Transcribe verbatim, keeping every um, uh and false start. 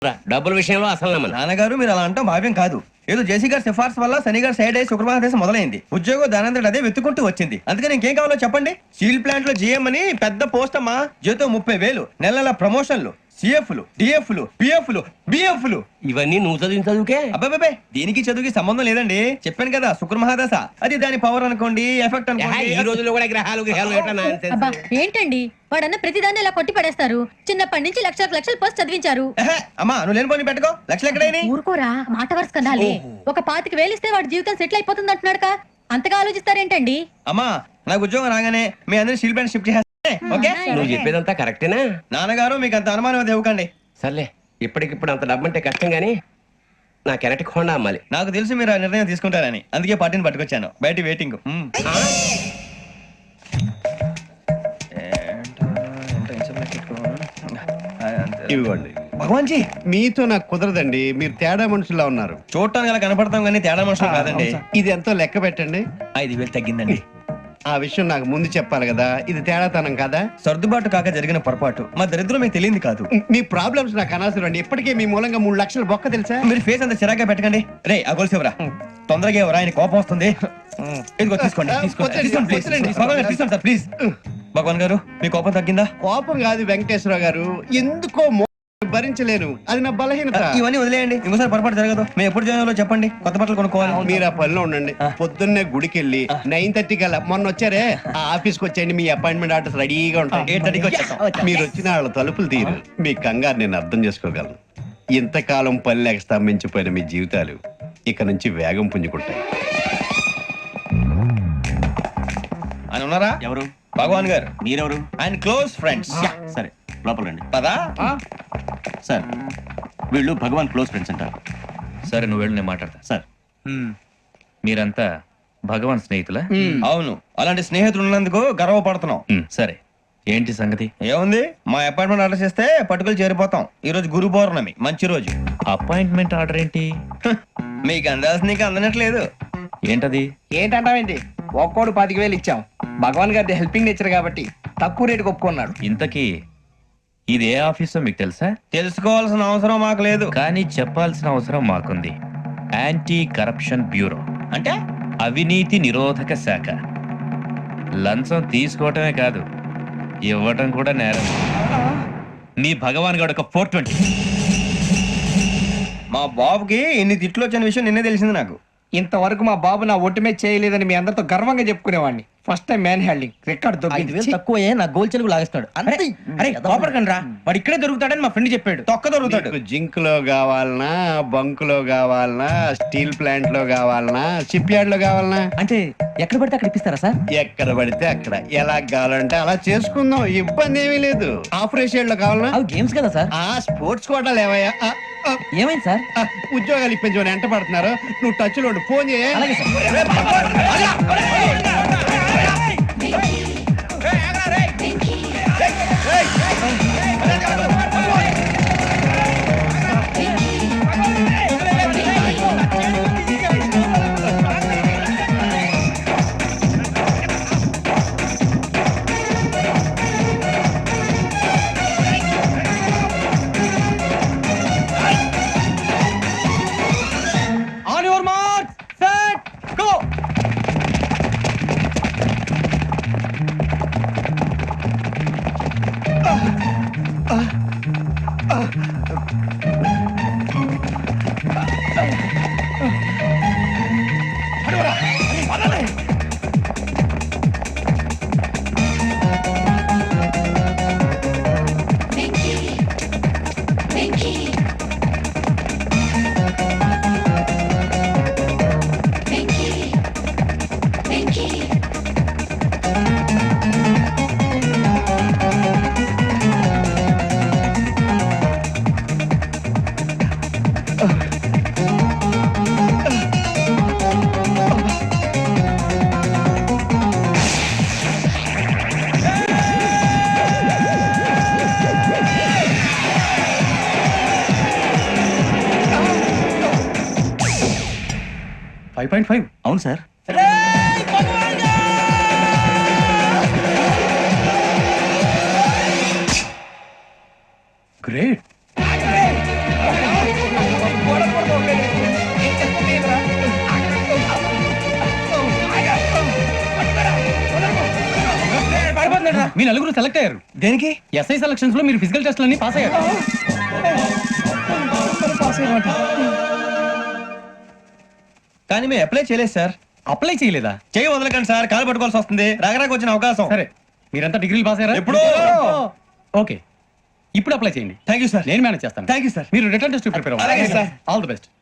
డబ్బుల విషయంలో అసలు నమ్మను. నాన్నగారు మీరు అలా అంటాం భావ్యం కాదు. ఏదో జేసీ గారి సిఫార్సు వల్ల శని గారు సైడ్ అయ్యి శుక్రవారం మొదలైంది. ఉద్యోగం దానంతటి అదే వెతుకుంటూ వచ్చింది. అందుకని ఇంకేం కావాలో చెప్పండి. స్టీల్ ప్లాంట్ లో జీఎం అని పెద్ద పోస్ట్ అమ్మా. జీతం ముప్పై వేలు, నెల నెల ప్రమోషన్లు, సిఎఫ్లు, డిఎఫ్లు, పిఎఫ్లు, బిఎఫ్లు. ఇవన్నీ నువ్వు చదివిన చదువుకే. అబ్బాబే దీనికి చదువుకి సంబంధం లేదండి. చెప్పాను కదా శుక్ర మహాదశ. అది దాని పవర్ అనుకోండి, ఎఫెక్ట్ అనుకోండి. ఈ రోజుల్లో కూడా గ్రహాలు గ్రహాలు అబ్బా ఏంటండి వాడన్న ప్రతిదాన్ని ఇలా కొట్టి పడేస్తారు. చిన్నప్పటి నుంచి లక్షలకు లక్షలు పోస్ట్ చదివించారు. అమ్మా నువ్వు లేని పోనీ పెట్టుకో. లక్షలు ఎక్కడైనా ఊరుకోరా, మాట వరుస కదాలే. ఒక పాతికి వేలిస్తే వాడి జీవితం సెటిల్ అయిపోతుంది అంటున్నాడు. అంతగా ఆలోచిస్తారేంటండి? అమ్మా నాకు ఉద్యోగం రాగానే మీ అందరూ స్టీల్ ప్లాంట్ షిఫ్ట్ చేస్తే ఓకే. నువ్వు చెప్పేదంతా కరెక్టేనా? నాన్నగారు మీకు అంత అనుమానం అది ఇవ్వకండి. సర్లే, ఇప్పటికిప్పుడు అంత డబ్బు అంటే కష్టం గానీ నా కెనటిక్ హోండా అమ్మాలి. నాకు తెలుసు మీరు ఆ నిర్ణయం తీసుకుంటారని, అందుకే పార్టీని పట్టుకొచ్చాను. బయట వెయిటింగ్. ఇవ్వండి. భగవాన్ జీ మీతో నాకు కుదరదండి. మీరు తేడా మనుషుల్లా ఉన్నారు. చూడటానికి అలా కనపడతాం కానీ తేడా మనుషులు కాదండి. ఇది ఎంతో లెక్క పెట్టండి. ఐదు వేలు తగ్గిందండి. ఆ విషయం నాకు ముందు చెప్పాలి కదా. ఇది తేడాతనం కదా. సర్దుబాటు కాక జరిగిన పొరపాటు. మా దరిద్రం మీకు తెలియదు కాదు. మీ ప్రాబ్లమ్స్ నాకు అనవసరం అండి. ఇప్పటికే మీ మూలంగా మూడు లక్షలు బొక్క తెలుసా. మీరు ఫేస్ అంత చిరాగ్గా పెట్టకండి. రే ఆ గొలుసు ఎవరా? తొందరగా ఎవరా? ఆయన కోపం వస్తుంది. ఇదిగో తీసుకోండి. తీసుకోండి. తీసుకోండి, please. భగవాన్ గారు, తీసుకోండి సార్ ప్లీజ్. భగవాన్ గారు మీ కోపం తగ్గిందా? కోపం కాదు వెంకటేశ్వర గారు, ఎందుకో మో- భరించలేను. అది నా బలహీనత. ఇవన్నీ వదిలేయండి. ఇంకోసారి పొరపాటు జరగదు. మేము ఎప్పుడు జాయిన్ చెప్పండి. కొత్త బట్టలు కొనుక్కోవాలి. మీరు ఆ పనిలో ఉండండి. పొద్దున్నే గుడికి వెళ్ళి నైన్ థర్టీ కల్లా మొన్న వచ్చారే ఆ ఆఫీస్కి వచ్చేయండి. మీ అపాయింట్మెంట్ ఆర్డర్స్ రెడీగా ఉంటాయి. ఎయిట్ థర్టీకి వచ్చేస్తాం. మీరు వచ్చిన వాళ్ళ తలుపులు తీరు. మీ కంగారు నేను అర్థం చేసుకోగలను. ఇంతకాలం పని లేక స్తంభించిపోయిన మీ జీవితాలు ఇక నుంచి వేగం పుంజుకుంటాయి. ఆయన ఉన్నారా? ఎవరు? భగవాన్ గారు. మీరెవరు? ఆయన క్లోజ్ ఫ్రెండ్స్. సరే లోపల రండి. పదా సార్ వీళ్ళు భగవాన్ క్లోజ్ ఫ్రెండ్స్ అంటారు. సరే నువ్వు వెళ్ళి నేను మాట్లాడతా. సార్ మీరంతా భగవాన్ స్నేహితులా? అవును, అలాంటి స్నేహితులు ఉన్నందుకు గర్వపడుతున్నాం. మ్, సరే ఏంటి సంగతి? ఏముంది, మా అపాయింట్మెంట్ ఆర్డర్ చేస్తే పట్టుకులు చేరిపోతాం. ఈ రోజు గురు పౌర్ణమి, మంచి రోజు. అపాయింట్మెంట్ ఆర్డర్ ఏంటి? హ, మీకు అందాల్సిన నీకు అందనట్లేదు. ఏంటది? ఏంటంటావేంటి? ఒక్కోడు పాతిక వేలు ఇచ్చాం. భగవాన్ గారి హెల్పింగ్ నేచర్ కాబట్టి తక్కువ రేటుకి ఒప్పుకున్నాడు. ఇంతకీ ఇది ఏ ఆఫీసో మీకు తెలుసా? తెలుసుకోవాల్సిన అవసరం మాకు లేదు. కానీ చెప్పాల్సిన అవసరం మాకుంది. యాంటీ కరప్షన్ బ్యూరో అంటే అవినీతి నిరోధక శాఖ. లంచం తీసుకోవటమే కాదు, ఇవ్వటం కూడా నేరం. మీ భగవాన్ గారు ఒక ఫోర్ ట్వంటీ. మా బాబుకి ఇన్ని తిట్లు వచ్చిన విషయం నిన్నే తెలిసింది నాకు. ఇంతవరకు మా బాబు నా ఒట్టుమే చేయలేదని మీ అందరితో గర్వంగా చెప్పుకునేవాడిని. First time man handing record దొరికింది. తక్కువే నా గోల్ చెలుగు లాగేస్తాడు. అరే కోపడకండి రా, వాడు ఇక్కడే దొరుకుతాడని మా ఫ్రెండ్ చెప్పాడు. తొక్క దొరుకుతాడు. మీకు జింక్ లో కావాలనా, బంక్ లో కావాలనా, స్టీల్ ప్లాంట్ లో కావాలనా, షిప్ యార్డ్ లో కావాలనా? అంటే ఎక్కడ పడితే అక్కడ ఇప్పిస్తారా సార్? ఎక్కడ పడితే అక్కడ, ఎలా కావాలంటే అలా చేసుకుందాం. ఇబ్బంది ఏమీ లేదు. ఆపరేషన్ లో కావాలనా? అవి గేమ్స్ కదా సార్. ఆ స్పోర్ట్స్ కోటాలు ఏమయ్యా? ఆ, ఆ, ఏమైంది సార్? ఆ, ఉద్యోగాలు ఇప్పించమని ఎంట పడుతున్నారు. నువ్వు టచ్ లో ఉండు. ఫోన్ చేయ. On your mark set go. Five point five అవును సార్. గ్రేట్. ఏంట్రా మీ నలుగురు సెలెక్ట్ అయ్యారు దేనికి ఎస్ఐ సెలక్షన్స్ లో మీరు ఫిజికల్ టెస్ట్లన్నీ పాస్ అయ్యారు కానీ మేము అప్లై చేయలేదు సార్. అప్లై చేయలేదా? చేయి వదలకండి సార్, కాలు పట్టుకోవాల్సి వస్తుంది. రాగరాకు వచ్చిన అవకాశం. సరే మీరంతా డిగ్రీలు పాస్ అయ్యారా? ఎప్పుడో. ఓకే ఇప్పుడు అప్లై చేయండి. Thank you sir. నేను మేనేజ్ చేస్తాను. Thank you sir. మీరు రిటర్న్ టెస్ట్ ప్రిపేర్ అలాగే అవ్వాలి. సార్. All the best.